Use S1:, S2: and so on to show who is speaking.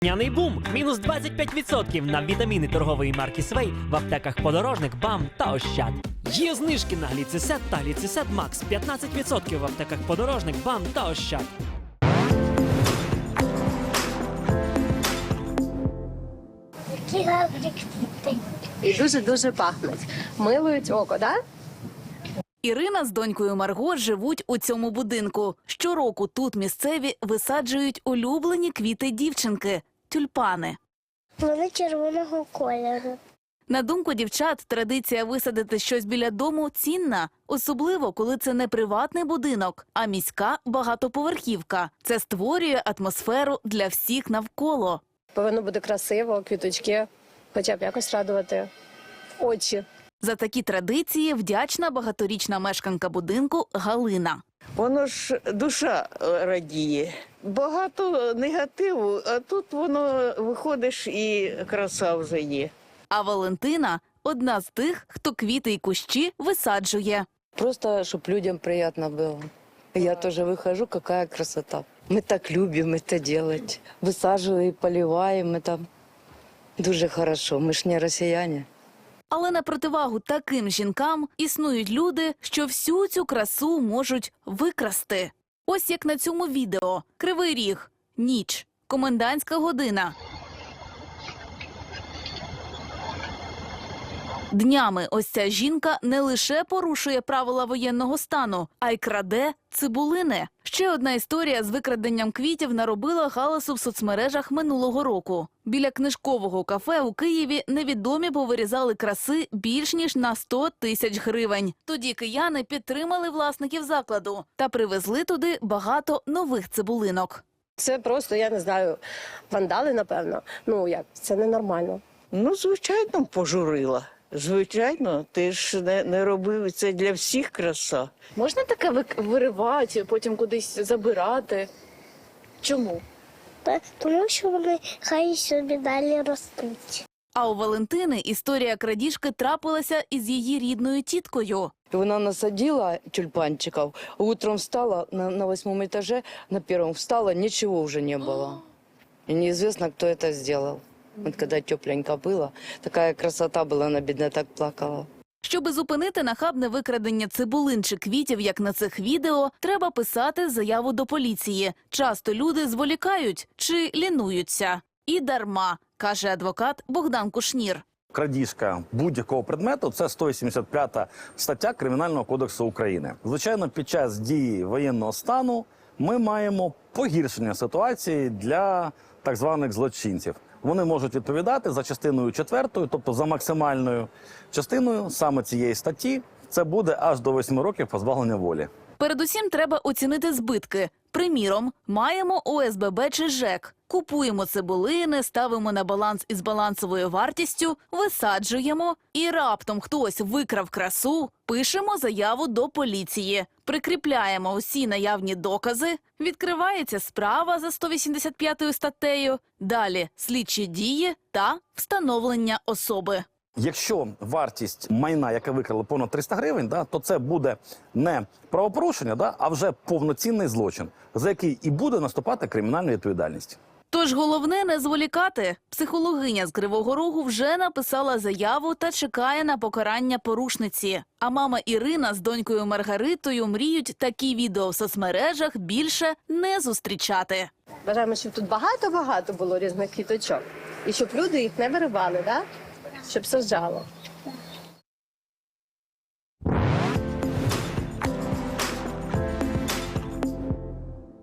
S1: Няний бум! Мінус 25% на вітаміни торгової марки Свей в аптеках Подорожник, БАМ та Ощад. Є знижки на гліцисет та гліцисет Макс 15% в аптеках Подорожник, БАМ та Ощад.
S2: Які гарні квіти.
S3: І дуже-дуже пахнуть. Милують око, так?
S4: Ірина з донькою Марго живуть у цьому будинку. Щороку тут місцеві висаджують улюблені квіти дівчинки – тюльпани.
S2: Вони червоного кольору.
S4: На думку дівчат, традиція висадити щось біля дому цінна. Особливо, коли це не приватний будинок, а міська багатоповерхівка. Це створює атмосферу для всіх навколо.
S3: Повинно бути красиво, квіточки, хоча б якось радувати очі.
S4: За такі традиції вдячна багаторічна мешканка будинку Галина.
S5: Воно ж душа радіє. Багато негативу, а тут воно виходиш і краса вже є.
S4: А Валентина – одна з тих, хто квіти й кущі висаджує.
S6: Просто, чтобы людям приятно было. Я тоже выхожу, какая красота. Мы так любим это делать. Высаживаем, поливаем, это дуже хорошо. Мы ж не россияне.
S4: Але на противагу таким жінкам існують люди, що всю цю красу можуть викрасти. Ось як на цьому відео. Кривий Ріг. Ніч. Комендантська година. Днями ось ця жінка не лише порушує правила воєнного стану, а й краде цибулини. Ще одна історія з викраденням квітів наробила галасу в соцмережах минулого року. Біля книжкового кафе у Києві невідомі повирізали краси більш ніж на 100 тисяч гривень. Тоді кияни підтримали власників закладу та привезли туди багато нових цибулинок.
S3: Це просто, я не знаю, вандали, напевно. Ну як, це ненормально.
S5: Ну, звичайно, пожурила. Звичайно, ти ж не робив, це для всіх краса.
S7: Можна таке виривати, потім кудись забирати? Чому?
S2: Тому що вони хай собі далі ростуть.
S4: А у Валентини історія крадіжки трапилася із її рідною тіткою.
S6: Она насадила тюльпанчиков, утром встала на 8 этаже, на 1 встала, ничего уже не было. И неизвестно, кто это сделал. Вот когда тепленько было, такая красота была, она, бедная, так плакала.
S4: Щоби зупинити нахабне викрадення цибулин чи квітів, як на цих відео, треба писати заяву до поліції. Часто люди зволікають чи лінуються. І дарма, каже адвокат Богдан Кушнір.
S8: Крадіжка будь-якого предмету – це 185 стаття Кримінального кодексу України. Звичайно, під час дії воєнного стану ми маємо погіршення ситуації для так званих злочинців. Вони можуть відповідати за частиною 4, тобто за максимальною частиною саме цієї статті. Це буде аж до 8 років позбавлення волі.
S4: Передусім треба оцінити збитки. Приміром, маємо ОСББ чи ЖЕК. Купуємо цибулини, ставимо на баланс із балансовою вартістю, висаджуємо і раптом хтось викрав красу, пишемо заяву до поліції. Прикріпляємо усі наявні докази, відкривається справа за 185 статтею, далі слідчі дії та встановлення особи.
S8: Якщо вартість майна, яке викрали, понад 300 гривень, то це буде не правопорушення, а вже повноцінний злочин, за який і буде наступати кримінальна відповідальність.
S4: Тож головне не зволікати. Психологиня з Кривого Рогу вже написала заяву та чекає на покарання порушниці. А мама Ірина з донькою Маргаритою мріють такі відео в соцмережах більше не зустрічати.
S3: Бажаємо, щоб тут багато-багато було різних квіточок. І щоб люди їх не виривали, так? Щоб саджало.